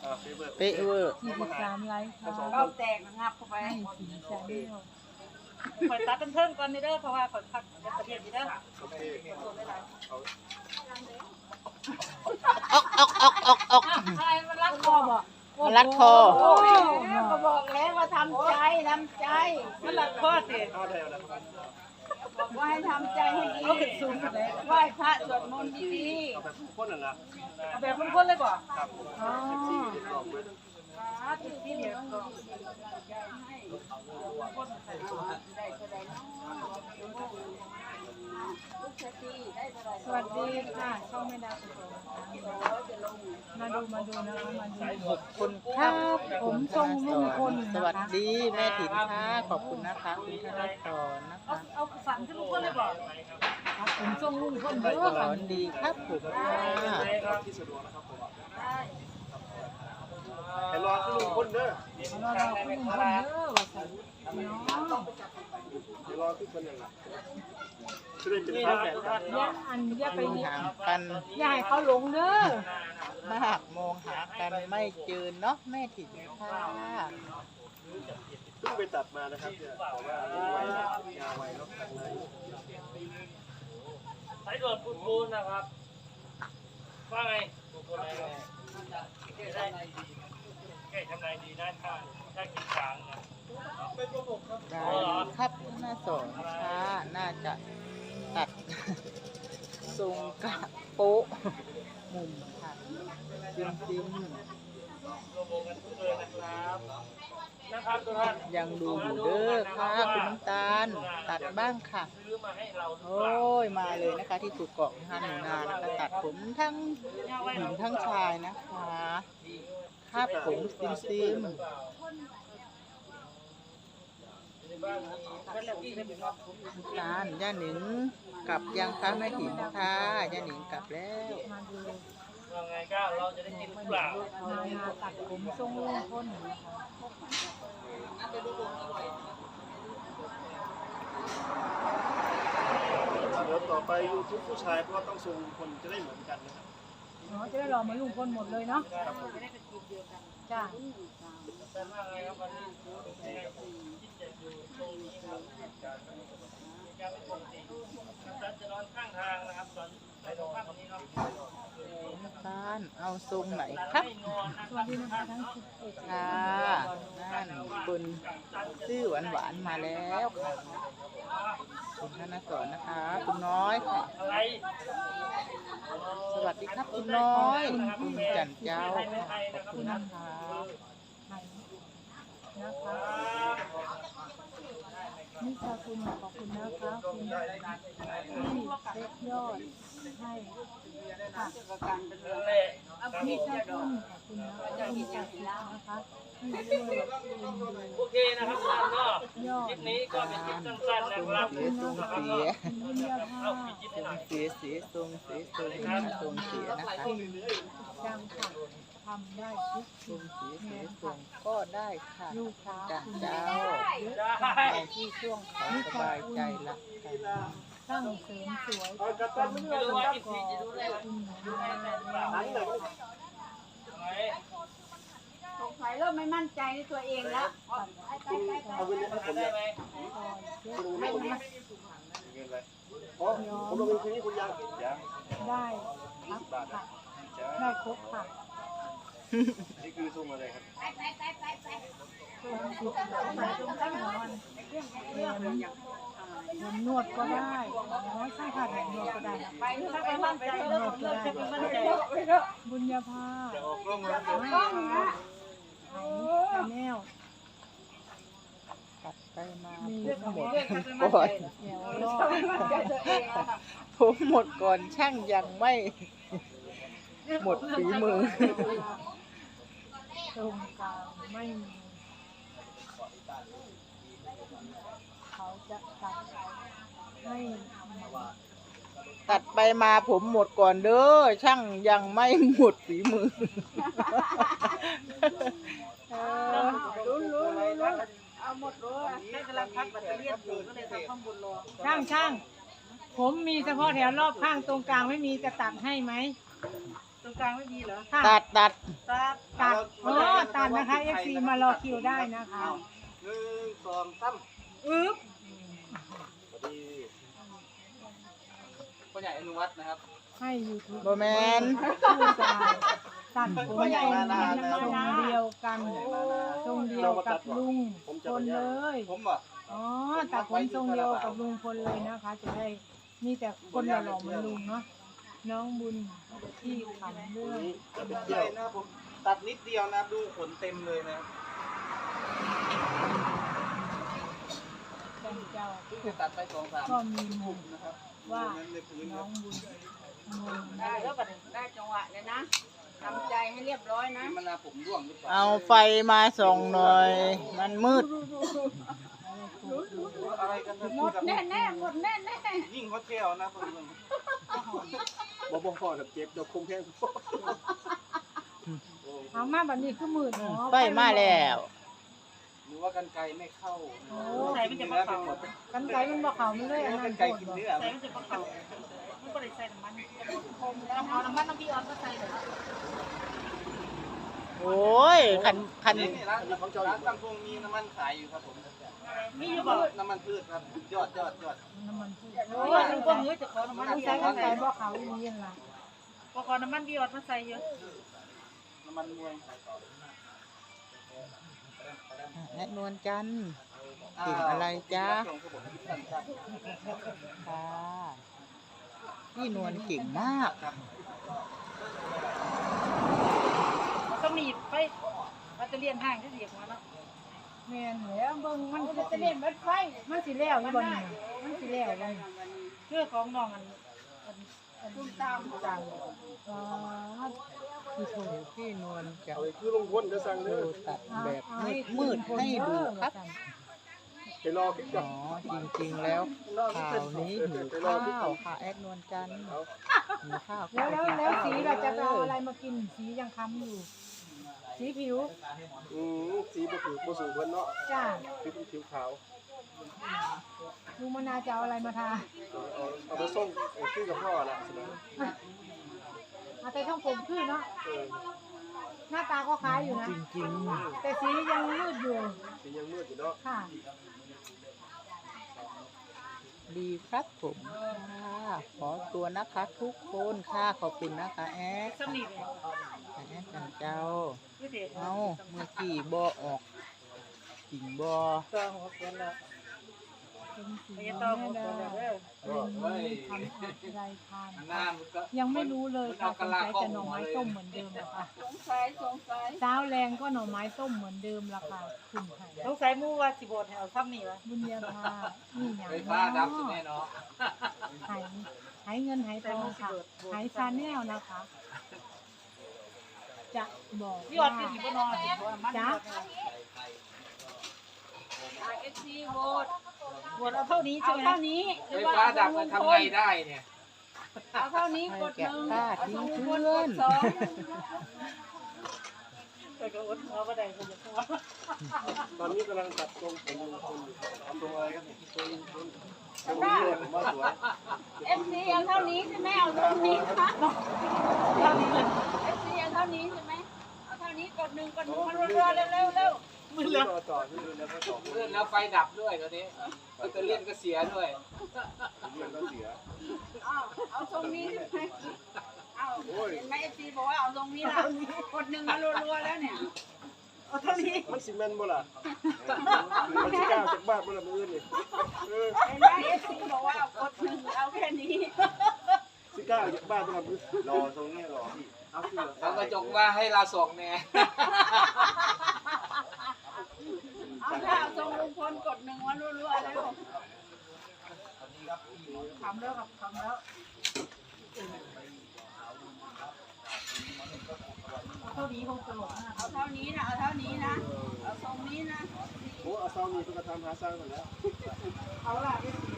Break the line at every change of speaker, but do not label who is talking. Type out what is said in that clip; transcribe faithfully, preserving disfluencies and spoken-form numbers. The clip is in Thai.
เป๊ะเวอร์
สี่สิบสามไลค์ค่ะ
เก้าแตกงับเข้าไป
ให้สีชาแนล
คอยตัดเป็นเพิ่มก่อนนี่เด้อเพราะว่าคอยพักในประเทศนี่เด้อ
ออกออกออกออกออก
อะไรมันรักคอบอก
มันรัดคอ
โอ้ยก็บอกแล้วว่าทำใจทำใจมันรักคอสิบอกว่าให้ทำใจให้ดีไหว้พระสวดมนต์ดีๆเอาแบบคนๆนั่นล่ะเอาแบบคนๆเลยก่อนอ๋อที่ที่เดียวก็
สวัสดีค่ะช่องแม่ดาวสุโขทัยมาดูมาดูนะคะมาดู
หกคน
ครับผมทรงลุงพล
สวัสดีแม่ถิ่นค่ะขอบคุณนะคะคุณธนพรนะคะ
เอาสั่นขึ้นลูกคนเลยก่อน
ครับผมทรงลุงพลเด้อ
ส
ค่ะ
อนดีครับผมค่ะ
ให้รอขึ้นลุงพ้นเด้อ
เราเราคุณลุงพลเด้อว่าสิพี่น้อง
ให้รอขึ้นคนหนึ่งละจะได้เป็นข้าวแบบกัน
อย่าอันอย่าไป
ห่างกัน
อย่าให้เขาหลงเด้อ
มากมองหากันไม่เจอเนาะแม่ถิ่นค่ะ
เพิ่งไปตัดมานะครับเนี่ยแต่ว่าเลี้ยงไว้ยาไว้แล้วข้างใน
สายด่วนปูนปูนนะครับว่าไงปูนปูนอะไรแก้ได้แก้ทำนายดีนะถ้าถ้ากินกลางนะ
ได้ครับหน้าสองค่ะน่าจะตัดทรงกะโป๊ะมุมค่ะจริง
รวมวงกันทุกเลยนะครับนะครับทุกท่าน
ๆยังดูอยู่เด้อค่ะคุณน้ำตาลตัดบ้างค่ะ
ซื้อมาให้เราหรือ
โอ้
เปล่าย
มาเลยนะคะที่สุดเกาะฮาหนูนานะคะตัดผมทั้งหญิงทั้งชายนะคะคาดผมซิมซิม
เป็นแล้วที่เป็นว่าผม
น้ำตาลย่าหนิงกลับยังคะแม่ถิ่นค่ะย่าหนิงกลับแล้ว
มาดู
ว่าไงก้าวเราจะได้กินหรือเปล่า
เรามาตัดผมทรงลุงพลนะคะ
เดี๋ยวต่อไปยูทูบผู้ชายเพราะว่าต้องทรงคนจะได้เหมือนกันนะครับ
เนาะจะได้รอเหมาลุงพลหมดเลยเนาะจ้า
แต่ว่าไงครับวันนี้ยังไงผมคิดจะอยู่ตรงนี้ครับมีการไม่ปกติท่านจะนอนข้างทางนะครับตอนไปนอนข้างนี้เนาะ
น้ำตาลเอาทรงไหนครับ
ให้นอนนะ
สวัสดีนะคะทั้งสิบเอ็ด
ค่ะนั่นคุณชื่อหวานหวานๆมาแล้วค่ะคุณธนสอนนะคะ คุณน้อยค่ะ
อะไร
สวัสดีครับคุณน้อยคุณจันเจ้าค่ะขอบคุณนะคะ
ไทยนะคะนี่ค่ะคุณขอบคุณนะคะคุณที่เซ็ตยอดให้ค่ะ
นั่นแหละ
นี่ค่ะคุณขอบคุณนะคะคุณจัดนะคะให้ด้วย
โอเคนะครับท่านก็
ยอ
คลิ
ด
ปนี้ก็เป็นคลิปสั้นๆนะครับ
เสียทรงเสีย
คุณวิญญาภา
เอาปิดคลิปให้หน่อย
เสียเสียทรงเสียทรงทรงเสียนะคะ
จังค่ะทำได้ทุก
ทร
สิ่ง
งเสียเสียทรงก็ได้ค่ะ
ลูกค้า
จัน
คุณ
เจ้า
เยอะ
ได้
เอาที่ช่วงเขาสบายใจละกัน
ตั้งเสริมสวย
เอากระตันไม่
ไม่
รู้
รู้
ว่า
ว่า
จะ
อีกทีจะรู้ได้
คุณหนู
รู้ได้ไหมหรือเปล่า
หนังเลย
ไหน
สงสัยเริ่มไม่มั่นใจในตัวเองแล้ว
เอาไปเลยให้ผม
ได้
เนี่ย
ไหม
ไม่รู้ไม่เงินอะไรอ๋อผมลงเป็นทีนี้คุณยังยัง
ได้ครับค่ะได้ครบค่ะ
นี่คือทรงอะไรครับ
สิบสามบาทตรงตั้งนอนแถมแถมนวดก็ได้อ๋อใช่ค่ะแถมนวดก็ได้
ไปถ้าไปมั่นใจเริ่มเริ่มจะเป็นมั่นใจ
บุญญาภา
จะออกกล้องแล้ว
ไทยชาแนล
ตัดไปมา
มี
ผมหมด
แถว
ก่อน
รอด
ผมหมดก่อนช่างยังไม่หมดฝีมือ
ตรงกลางไม่มีเขาจะตัดให้
ตัดไปมาผมหมดก่อนเด้อช่างยังไม่หมดฝีมือเออ
รู้รู้รู้รู้เอาหมดรู้แม่กำลังพักแบตเตอรี่อยู่ก็เลยทำข้างบนรอ
ช่างช่างผมมีเฉพาะแถวรอบข้างตรงกลางไม่มีจะตัดให้ไหม
ตร
รงกลางไม่ดีเหรอ
ตัดตัด
ตัดตัดโอ้ตัดนะคะ เอฟ ซี มารอคิวได้นะคะ
หนึ่งสองสาม
อึ๊บ
สวัสดีพ่อใหญ่อนุวัฒน์นะครับ
ให้ยูทูบ
โบแมน
ผู้ชายตัดผมทรงเดียวกันทรงเดียวกับลุงพลเลย
ผมบอก
อ๋อตัดผมทรงเดียวกับลุงพลเลยนะคะ จะได้มีแต่คนหล่อๆเหมือนลุงเนาะน้องบุญที่ทำเรื่อง
จะไปเที่ยวนะผมตัดนิดเดียวนะดูขนเต็มเลยนะ
จันเจ้า
คือตัดไปสองสาม
ก็มีมุม
นะครับ
ว่า
นั้นในพื้น
น้องบุญงง
ได้แล้วบัดนี้ได้จังหวะเลยนะทำใจให้เรียบร้อยนะ
มันนาผมร่วงหรือเปล่า
เอาไฟมาส่องหน่อย มันมืด
อะไรกันนะ
หมดแน่แน่ๆหมดแน่แน่
ยิ่งฮอตเทลนะเพื่อนๆบอกบอกพ่อแบบเจ็บเดี๋ยวคงแพง
เอามาแบบนี้คือมืดเนาะ
ไฟมาแล้ว
หรือว่ากันไกลไม่เข้า
ใส่มันจะมาเข่ากันไกมันบ่เข่าไม่เลยอัน
กั
นั้น น
ไกล
โคต
กิ
ร
น
บ่
เนื้อ
ใส่มันจะมาเข่ามันก็ได้ใส่น้ำมันต้องเอาน้ำมันน้ำพี่ออนก็ใส่เลย
โอ้ยคันคัน
นี่ร้านร้านซัมซุงมีน้ำมันขายอยู่ครับผม
มีอยู่บ่
น้ำมันพืชครับยอดยอดยอด
น้ำมันพืชโอ้ยลุงก็มือจะขอน้ำมันใส่กันไกบ่เข่าอีนี่ล่ะก็ขอน้ำมันพี่ออนมาใส่เยอะ
น้ำมันมวย
แอดนวลจันทร์เก่งอะไรจ๊ะค่ะพี่นวลเก่งมาก
ต้องมีไฟแบตเตอรี่ห่างที่เสียบมาเนาะแม่นแล้วเบิ่งมันจะเล่นแบตไฟมันสิแล้วอยู่บ่นี่มันสิแล้วบ่เรื่องของน้องอันอันอันตามตามอ๋อคือโทร
พี่นวลจะ
เอาคือลงพ้นจะสั่ง
โท
เด้
ร
อ
ตัดแบบมืดๆให้ดูครับ
ไปรอคลิปก่
อ๋
อ
อน จริงๆแล้วข่าวนี้หิวข้าวค่ะแอดนวลจันทร์หิวข้าว
แล้วแล้วแล้วสีเราจะเอาอะไรมากินสียังค้ำอยู่ สีผิว
อืมสีบ่ถือบ่สูงเพิ่นเนาะ
จ้า
สีเป็นผิวขาว
ลุงมนาจะเอาอะไรมาทา
เอาเอาเอาไปส่งไอ้คือกับพ่อน่ะสินะ
เอาแต่ช่องผมขึ้นเนาะ
เออ
หน้าตาก็คล้ายอยู่นะ
จริง
แต่สียังมืดอยู่
สียังมืดอยู่เนาะ
ค่ะ
ๆดีครับผมค่ะขอตัวนะคะทุกคนค่ะขอบคุณนะคะแอด
สนิทเลย
แอดกันเจ้า
พี่เด็ก
เอาเมื่อกี้บอออกจริงบอ
ตัวหัวเกินแล้วเป็นสีแม่ดาเรื่องนี้ทำอะไรทานยังไม่รู้เลยค่ะสงสัยจะหน่อไม้ต้มเหมือนเดิมละค่ะ
สงสัยสงสัย
เช้าแรงก็หน่อไม้ต้มเหมือนเดิมละค่ะคุณไผ่
ต้องใส่หมูว่าสิบดแถวซ้ำนี่วะ
บุญญาภานี่อย่าง
ไฟ
เนา
ฟ้าดับสิแน่
ะ
เนาะ
หายหายเงินหายทองค่ะหายซาแนลนะคะ จะบอก
พี่ออ
ว่า
ดคือสิบนอนสิบนอนมัน
จ๊ะ
เอฟซีโหวต
บดเอาเท่านี้
เอา
ใช่ไหม
เท่านี้
ไฟฟ้าดับมันทำไงได้เนี่ย
เอาเท่านี้
ให้
กด
แกะ
หนึ่ง
ป้า
เอา
ทิ้
ส
ง
อง
เพื่
คน
อก น
ดสอง
แต่ก็อดเอาก็ได้คนจะตัว
ตอนนี้กำลังตัดทรงผมอยู่คนอยู่เอาตรงอะไรกันเนี่ยทรงทรงทรงนี้เลยผมว่าสวย
เอฟซีเอาเท่านี้ใช่ไหมเอาเท่านี้ค่ะเอฟซีเอาเท่านี้ใช่ไหมเอาเท่านี้กดหนึ่งกดหนึ่งมันรัวๆเร็วๆเร็ว
มือเลือดต่อที่ดูแล้วก็ต่อมือ
เลื่อนแล้วไฟดับด้วยตอนนี้แบตเตอรี่ก็เสียด้วย
เลือดก็เสีย
เอาเอาทรงนี้ใช่ไหมเอาเห็นไหมเอฟซีบอกว่าเอาทรงนี้ละกดหนึ่งมารัวๆแล้วเนี่ย
เอาเท่านี้
มันซีเมนต์บ่ล่ะมันสิกล้าจากบ้านบ่ล่ะมื้ออื่นนี่เออ
เห็นไหมเอฟซีบอกว่าเอากดหนึ่งเอาแค่นี้
สิกล้าจากบ้านบ่ล่ะมื้อรอทรงนี้รอพี่เอาคือ
แล้วกระจกว่าให้เราส่องแน่
เอาถ้าเอาทรงลุงพลกดหนึ่งมารัวๆแล้ว
ทำแล้วครับทำแล้วเท่านี้คงตลกมาก
เอาเท่านี้นะเอาเท่านี้นะเอาทรงนี้นะ
โอ้เอาเซานี่เพิ่นก็ทำหาสร้างกันแล้ว
เอาล่ะเอฟซี